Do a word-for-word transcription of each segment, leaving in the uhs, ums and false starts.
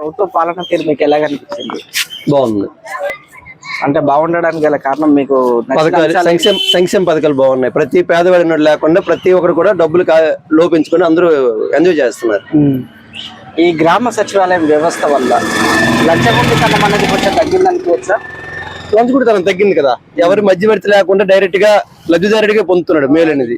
ప్రభుత్వ పాలన తీరు మీకు ఎలా కనిపించింది? బాగుంది. అంటే బాగుండడానికి గల కారణం మీకు పథకాలు, సంక్షేమ సంక్షేమ పథకాలు బాగున్నాయి. ప్రతి పేదవాడి లేకుండా ప్రతి ఒక్కరు కూడా డబ్బులు లోపించుకొని అందరూ ఎంజాయ్ చేస్తున్నారు. ఈ గ్రామ సచివాలయం వ్యవస్థ వల్ల లంచగొండితనం అనేది కొంచెం తగ్గిందనుకోవచ్చా? లంచగొండితనం తగ్గింది కదా, ఎవరి మధ్యవర్తి లేకుండా డైరెక్ట్ గా లబ్ధిదారుడిగా పొందుతున్నాడు మేలు అనేది.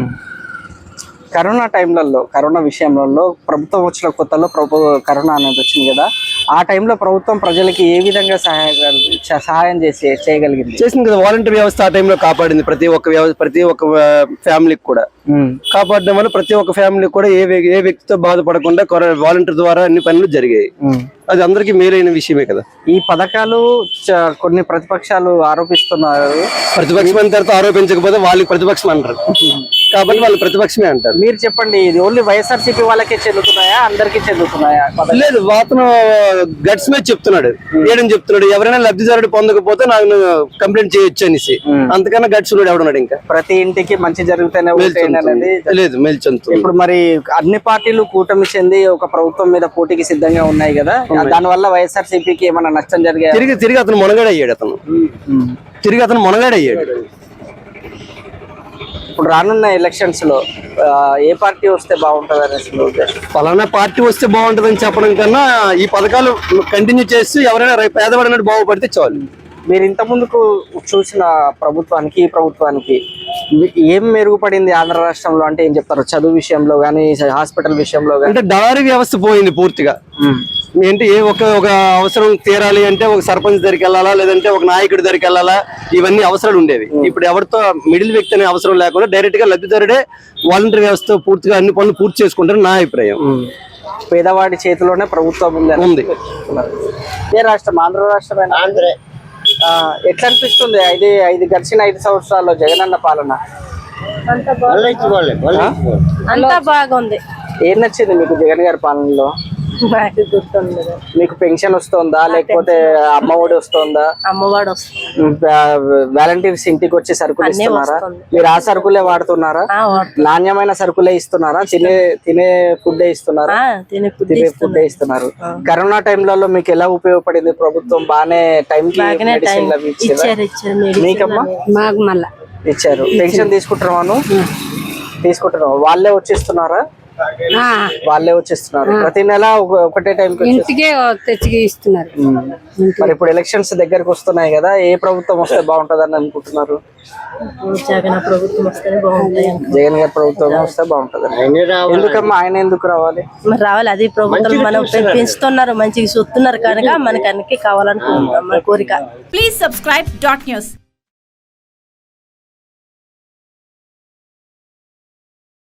కరోనా టైంలలో కరోనా విషయంలో ప్రభుత్వం వచ్చిన కొత్తలో ప్రభు కరోనా అనేది వచ్చింది కదా, ఆ టైంలో ప్రభుత్వం ప్రజలకి ఏ విధంగా సహాయ సహాయం చేసి చేయగలిగింది? చేసింది కదా, వాలంటీర్ వ్యవస్థ ఆ టైంలో కాపాడింది ప్రతి ఒక్క వ్యవస్థ, ప్రతి ఒక్క ఫ్యామిలీకి కూడా కాపాడడం వల్ల ప్రతి ఒక్క ఫ్యామిలీకి కూడా ఏ ఏ వ్యక్తితో బాధపడకుండా వాలంటీర్ ద్వారా అన్ని పనులు జరిగాయి. అది అందరికీ మేలైన విషయమే కదా. ఈ పథకాలు కొన్ని ప్రతిపక్షాలు ఆరోపిస్తున్నారు. ప్రతిపక్షం తర్వాత ఆరోపించకపోతే వాళ్ళకి ప్రతిపక్షం అంటారు కాబట్టి వాళ్ళు ప్రతిపక్షమే అంటారు. మీరు చెప్పండి, ఇది ఓన్లీ వైఎస్ఆర్సీపీ వాళ్ళకే చెందుతున్నాయా, అందరికీ చెందుతున్నాయా? లేదు, అతను గట్స్ మీద చెప్తున్నాడు, ఏడని చెప్తున్నాడు. ఎవరైనా లబ్ధిదారుడు పొందకపోతే నాకు కంప్లైంట్ చేయొచ్చు అనేసి. అంతకన్నా గట్స్ ఉన్నాడు ఎవడున్నాడు? ఇంకా ప్రతి ఇంటికి మంచి జరిగితేనే లేదు మేల్చొందు. ఇప్పుడు మరి అన్ని పార్టీలు కూటమి చెంది ఒక ప్రభుత్వం మీద పోటీకి సిద్ధంగా ఉన్నాయి కదా, దాని వల్ల వైఎస్ఆర్సీపీకి ఏమైనా నష్టం జరిగాయి? తిరిగి తిరిగి అతను మునగాడు అయ్యాడు అతను తిరిగి అతను మునగాడు అయ్యాడు ఇప్పుడు రానున్న ఎలక్షన్స్ లో ఏ పార్టీ వస్తే బాగుంటది అనేసి పలానా పార్టీ వస్తే బాగుంటది అని చెప్పడం కన్నా ఈ పథకాలు కంటిన్యూ చేస్తూ ఎవరైనా పేదవాడినట్టు బాగుపడితే చాలు. మీరు ఇంత ముందుకు చూసిన ప్రభుత్వానికి ఈ ప్రభుత్వానికి ఏం మెరుగుపడింది ఆంధ్ర రాష్ట్రంలో అంటే ఏం చెప్తారు? చదువు విషయంలో గానీ, హాస్పిటల్ విషయంలో గానీ? అంటే దారి వ్యవస్థ పోయింది పూర్తిగా. ఏంటి, ఏ ఒక ఒక అవసరం తీరాలి అంటే ఒక సర్పంచ్ దగ్గరికి వెళ్ళాలా, లేదంటే ఒక నాయకుడి దగ్గరికి వెళ్ళాలా, ఇవన్నీ అవసరాలు ఉండేవి. ఇప్పుడు ఎవరితో మిడిల్ వ్యక్తి అనే అవసరం లేకుండా డైరెక్ట్ గా లబ్ధిదారుడే వాలంటీర్ వ్యవస్థ పూర్తిగా అన్ని పనులు పూర్తి చేసుకుంటారు నా అభిప్రాయం. పేదవాడి చేతిలోనే ప్రభుత్వం ఉంది. ఏ రాష్ట్రం? ఆంధ్ర రాష్ట్రమైన ఆంధ్రే. ఎట్లా అనిపిస్తుంది ఐదు ఐదు గడిచిన ఐదు సంవత్సరాల్లో జగనన్న పాలన? అంతా బాగుంది. ఏం నచ్చింది మీకు జగన్ గారి పాలనలో? మీకు పెన్షన్ వస్తుందా, లేకపోతే అమ్మఒడి వస్తుందా? అమ్మఒడి వస్తుంది. వాలంటీర్స్ ఇంటికి వచ్చి సరుకులు ఇస్తున్నారా? మీరు ఆ సరుకులే వాడుతున్నారా? నాణ్యమైన సరుకులే ఇస్తున్నారా? తినే తినే ఫుడ్ ఇస్తున్నారా? తినే ఫుడ్ ఇస్తున్నారు. కరోనా టైంలలో మీకు ఎలా ఉపయోగపడింది ప్రభుత్వం? బాగానే టైం మీకమ్మా ఇచ్చారు. పెన్షన్ తీసుకుంటున్నాను తీసుకుంటున్నావు వాళ్ళే వచ్చిస్తున్నారా? వాళ్ళే వచ్చిస్తున్నారు. ప్రతి నెల ఒకటే టైం ఇంటికే తెచ్చి ఇస్తున్నారు. మరి ఇప్పుడు ఎలక్షన్స్ దగ్గరకు వస్తున్నాయి కదా, ఏ ప్రభుత్వం వస్తే బాగుంటది అని అనుకుంటున్నారు? జగన్ ప్రభుత్వం వస్తే బాగుంటుంది. జగన్ గారి ప్రభుత్వం వస్తే బాగుంటది. ఎందుకమ్మా ఆయన ఎందుకు రావాలి? మరి రావాలి, అది ప్రభుత్వం మనం పెంచుతున్నారు, మంచిగా చూస్తున్నారు కనుక మనకి అన్ని కావాలనుకుంటున్నాం. మన కోరిక. Please subscribe dot news.